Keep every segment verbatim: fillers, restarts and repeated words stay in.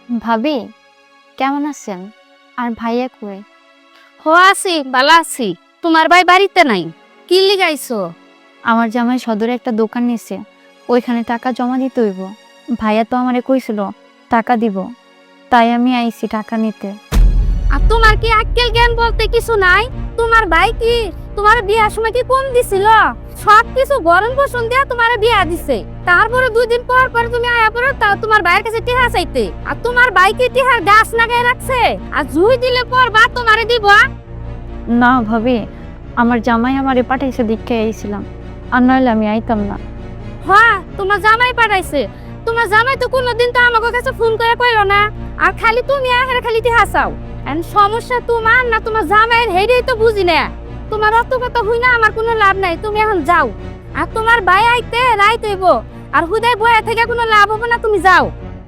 ভাবি কেমন আছেন? আর ভাইয়া কই? হো আছি, ভালো আছি। তোমার ভাই বাড়িতে নাই, কি লিগাইছো? আমার জামাই সদরে একটা দোকান নিছে, ওইখানে টাকা জমা দিতে হইব। ভাইয়া তো আমারে কইছিল টাকা দিব, তাই আমি আইছি টাকা নিতে। আর তোমার কি আক্কেল জ্ঞান বলতে কিছু নাই? তোমার ভাই কি তোমার বিয়ার সময় কি কম দিছিল? সব কিছু গরম পোষণ দিয়া তোমার বিয়া দিছে, তারপরে দুই দিন পর পর তুমি আয়া পড়ো তা তোমার ভাইয়ের কাছে টিহা চাইতে। আর তোমার ভাই কি টিহার গাছ লাগাই রাখছে? আর জুই দিলে পর বা তোমারে দিব? না ভাবি, আমার জামাই আমারে পাঠাইছে দেখে আইছিলাম, আর নইলে আমি আইতাম না। হ্যাঁ, তোমার জামাই পাঠাইছে। তোমার জামাই তো কোনোদিন তো আমাকে কাছে ফোন করে কইলো না, আর খালি তুমি আহের খালি টিহা চাও। এন্ড সমস্যা তোমার না তোমার জামাইয়ের, হেডেই তো বুঝি না। তোমার অত কথা হই না, আমার কোনো লাভ নাই, তুমি এখন যাও। আর তোমার ভাই আইতে রাইত হইব, আর হুদায় বয়া থেকে কোনো লাভ হবে না, তুমি যাও।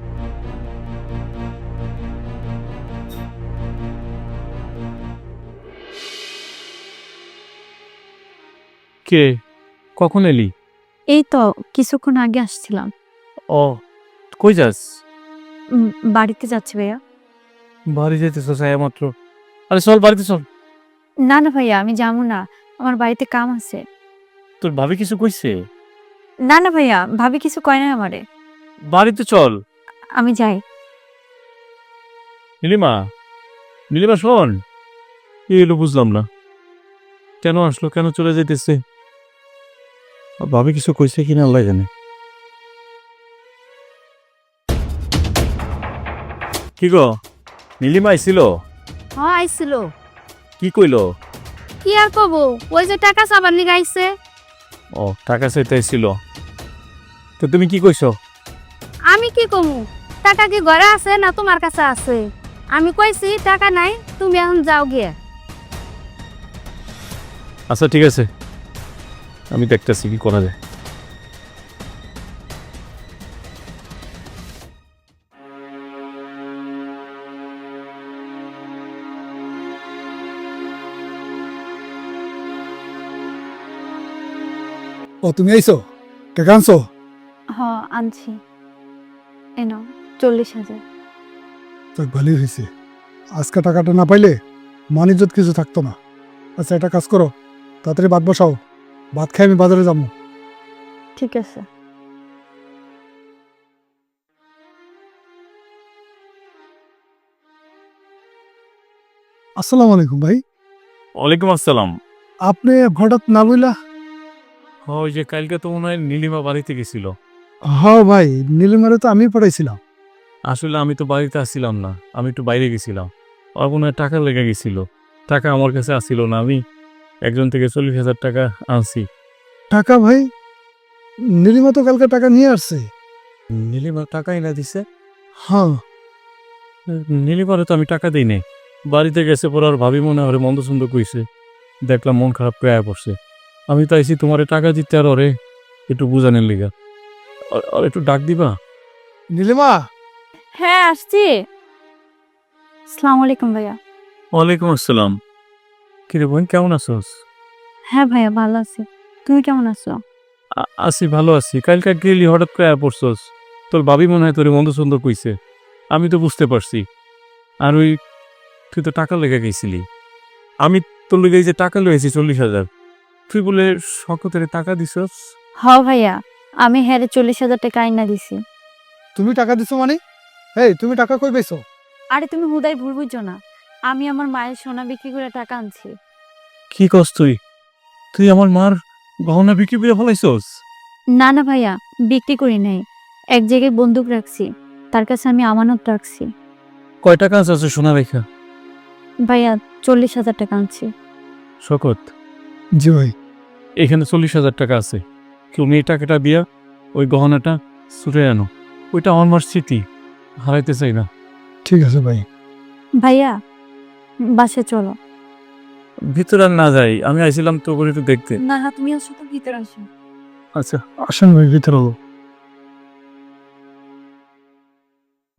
কে? কখন এলি? এই তো কিছুক্ষণ আগে আসছিলাম। ও, কই যাস? উম, বাড়িতে যাচ্ছি ভাইয়া। বাড়ি যেতেছ ছায়া মাত্র? আরে চল বাড়িতে চল। না না ভাইয়া, আমি যাবো না, আমার বাড়িতে কাম আছে। তোর ভাবি কিছু কইছে? না না ভাইয়া, ভাবি কিছু কয় না আমারে। বাড়িতে চল। আমি যাই। নীলিমা, নীলিমা শোন। কি এলো বুঝলাম না, কেন আসলো, কেন চলে যাইতেছে? আর ভাবি কিছু কইছে কিনা আল্লাহ জানে। কি গো, নীলিমা আইছিল? হ্যাঁ আইছিল। কি কইলো? কি আর কব, ওই যে টাকা চাবার নিয়ে আইছে। ও, টাকা চাইতে আইছিল। তো তুমি কি কইছো? আমি কি কমু, টাকা কি ঘরে আছে না তোমার কাছে আছে? আমি কইছি টাকা নাই, তুমি এখন যাও গিয়ে। আচ্ছা ঠিক আছে, আমি দেখতেছি কি করা যায়। ও তুমি আইছো? টাকা আনছো? হ, আনছি। এনো চল্লিশ হাজার। যাক ভালোই হয়েছে, আজকে টাকাটা না পাইলে মান ইজ্জত কিছু থাকতো না। আচ্ছা একটা কাজ করো, তাড়াতাড়ি ভাত বসাও, ভাত খাই আমি বাজারে যাবো। ঠিক আছে। আসসালামু আলাইকুম ভাই। ওয়ালাইকুম আসসালাম। আপনি হঠাৎ না বইলা? হ্যাঁ, ওই যে কালকে তো মনে হয় নীলিমা বাড়িতে গেছিল। হ ভাই, নীলিমারে তো আমি পাঠাইছিলাম। আসলে আমি তো বাড়িতে আসছিলাম না, আমি একটু বাইরে গেছিলাম। আর মনে হয় টাকা লেগে গেছিল, টাকা আমার কাছে আসছিল না, আমি একজন থেকে চল্লিশ হাজার টাকা আনছি। টাকা ভাই? নীলিমা তো কালকে টাকা নিয়ে আসছে। নীলিমা টাকাই না দিছে? হ্যাঁ। নীলিমারে তো আমি টাকা দিই নাই, বাড়িতে গেছে পর আর ভাবি মনে হয় মন্দ সুন্দর কইছে, দেখলাম মন খারাপ করে আয়া পড়ছে। আমি তো আইছি তোমারে টাকা দিতে, আর ওরে একটু বুঝানোর লিগা। আর- আর একটু ডাক দিবা? নীলিমা, হ্যাঁ আসছি। আসসালামু আলাইকুম ভাইয়া। ওয়ালাইকুম আসসালাম। কিরে বোন, কেমন আছোস? হ্যাঁ ভাইয়া, ভালো আছি। তুমি কেমন আছো? আ- আছি, ভালো আছি। কালকে গেলি হঠাৎ করে আয়া পড়ছস, তোর ভাবি মনে হয় তোরে মন্দ সুন্দর কইছে, আমি তো বুঝতে পারছি। আর ওই তুই তো টাকা লেগে গেছিলি, আমি তোর লেগে যে টাকা লয়েছি চল্লিশ হাজার, তুই বলে শকতের টাকা দিছস। হ ভাইয়া, আমি হ্যারে চল্লিশ হাজার টাকা আইনা দিছি। তুমি টাকা দিছো মানে? এই তুমি টাকা কই পেয়েছো? আরে তুমি হুদাই ভুল বুঝছো না, আমি আমার মায়ের সোনা বিক্রি করে টাকা আনছি। কি কস তুই? তুই আমার মার গহনা বিক্রি করে ফেলাইছস? না না ভাইয়া, বিক্রি করি নাই, এক জায়গায় বন্দুক রাখছি, তার কাছে আমি আমানত রাখছি। কয় টাকা আছে সোনা রেখা? ভাইয়া চল্লিশ হাজার টাকা আনছি। শকত, জি ভাই। এখানে চল্লিশ হাজার টাকা আছে, তুমি এই টাকাটা দিয়া ওই গহনাটা ছুটে আনো, ওইটা আমার মার স্মৃতি, হারাইতে চাই না। ঠিক আছে ভাই। ভাইয়া বাসে চলো। ভিতরে আর না যাই, আমি আইছিলাম তো করে একটু দেখতে। না না, তুমি আসো তো, ভিতরে আসো। আচ্ছা। আসেন ভাই, ভিতরে হলো।